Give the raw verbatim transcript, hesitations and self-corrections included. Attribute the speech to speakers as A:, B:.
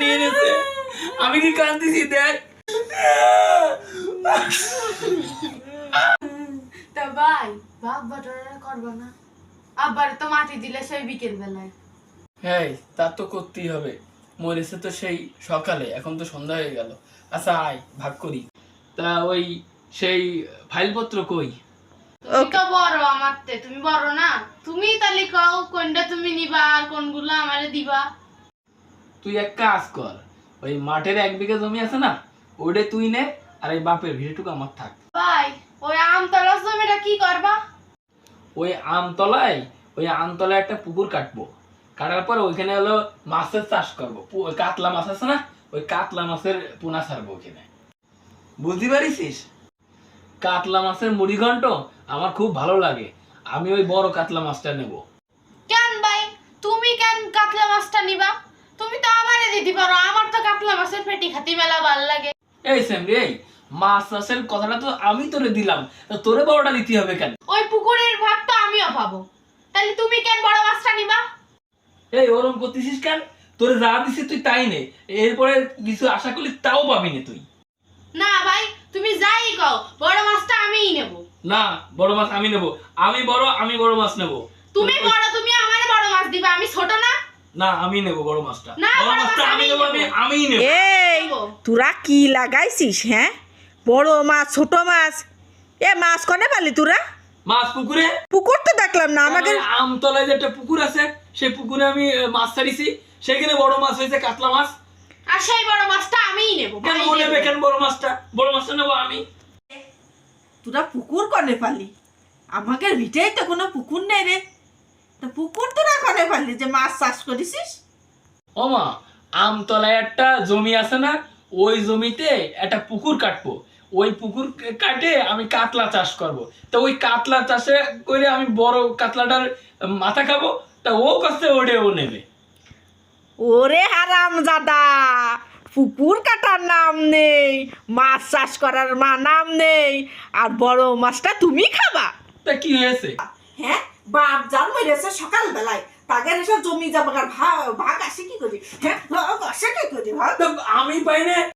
A: নিয়ে নিয়েছে। আমি কি কান্দিছি দেখ।
B: তা ভাই বাপ বাটারা করবো না, আবার তো মাটি দিলে সেই বিকেল বেলায়।
A: হ্যাঁ তা তো করতেই হবে, মরেছে তো সেই সকালে, এখন তো সন্ধ্যা হয়ে গেল। আচ্ছা আয় ভাগ করি। তা ওই সেই ফাইলপত্র কই?
B: তুমি তো বড় আমার তে, তুমি বড় না, তুমি তাহলে কও কোনটা তুমি নিবা আর কোনগুলো আমারে দিবা।
A: তুই এক কাজ কর, ওই মাঠের এক বিঘা জমি আছে না, ওটা তুই নে, আর এই বাপের ভিড়েটুকু আমার থাক।
B: ভাই ওই আমতলা জমিটা কি করবা?
A: ওই আমতলায় ওই আমতলায় একটা পুকুর কাটবো, কাটার পর ওইখানে হলো মাছের চাষ করবো। পু- কাতলা মাছ আছে না, ওই কাতলা মাছের পোনা ছাড়বো ওখানে। বুঝতে পারিস? কাতলা মাছের মুড়ি ঘন্ট আমার খুব ভালো লাগে, আমি ওই বড় কাতলা মাছটা নেব।
B: কেন ভাই তুমি কেন কাতলা মাছটা নিবা? তুমি তো আমারে দিতে পারো, আমার তো কাতলা মাছের পেটি খাতি মেলা ভাল লাগে।
A: এই সেমরি, এই মাছ চাষের কথাটা তো আমি তোরে দিলাম, তা তোরে বড়টা দিতে হবে কেন?
B: ওই পুকুরের ভাগ তো আমিও পাবো, তাহলে তুমি কেন বড় মাছটা নিবা?
A: এই ওরম করতেছিস কেন? তোরে যা দিছি তুই তাই নে, এরপরে কিছু আশা করলি তাও পাবি না তুই।
B: না ভাই তুমি যাই কও, বড় মাছটা আমিই নেব।
A: না, বড় মাছ আমি নেব, আমি বড়, আমি বড় মাছ নেব।
B: তুমি বড়, তুমি আমারে বড় মাছ দিবা, আমি ছোট না?
A: না আমি নেব বড় মাছটা,
B: না,
A: বড়
B: বড়
A: মাছটা
B: মাছ
A: আমি
B: আমিই
A: নেব, আমি
B: নেব।
A: আমিই নেব।
C: এই তোরা কি লাগাইছিস? হ্যাঁ, বড় মাছ ছোট মাছ, এ মাছ কনে পালি তোরা?
A: মাছ পুকুরে,
C: পুকুর তো দেখলাম না আমাকে।
A: ওই আমতলায় যে একটা পুকুর আছে, সেই পুকুরে আমি আহ, মাছ ছাড়িছি, সেখানে বড় মাছ হয়েছে কাতলা মাছ।
B: আর সেই বড় মাছটা আমিই নেব।
A: কেন
B: ভাই
A: ও
B: নেব।
A: নেবে কেন বড় মাছটা? বড় মাছটা নেবো আমি।
C: তোরা পুকুর কনে পালি? আমাদের ভিটেই তো কোনো পুকুর নেই রে, তো পুকুর তোরা কনে পালি যে মাছ চাষ করেছিস?
A: ওমা, আমতলায় একটা জমি আছে না, ওই জমিতে একটা পুকুর কাটবো, ওই পুকুর কাটে আমি কাতলা চাষ করব। তো ওই কাতলা চাষে করে আমি বড় কাতলাটার মাথা খাবো, তা ও কাছে ওড়ে ও নেবে।
C: ওরে হারাম জাদা, পুকুর কাটার নাম নেই, মাছ চাষ করার মা নাম নেই, আর বড় মাছটা তুমি খাবা?
A: তা কি হয়েছে?
C: হ্যাঁ, বাপ জান মেরেছে সকাল বেলায়, তাদের এসব জমি জমার ভাগ ভাগ আসে কি করি? হ্যাঁ, ভাগ আসে কি করি? ভাগ
A: তো আমি পাই না,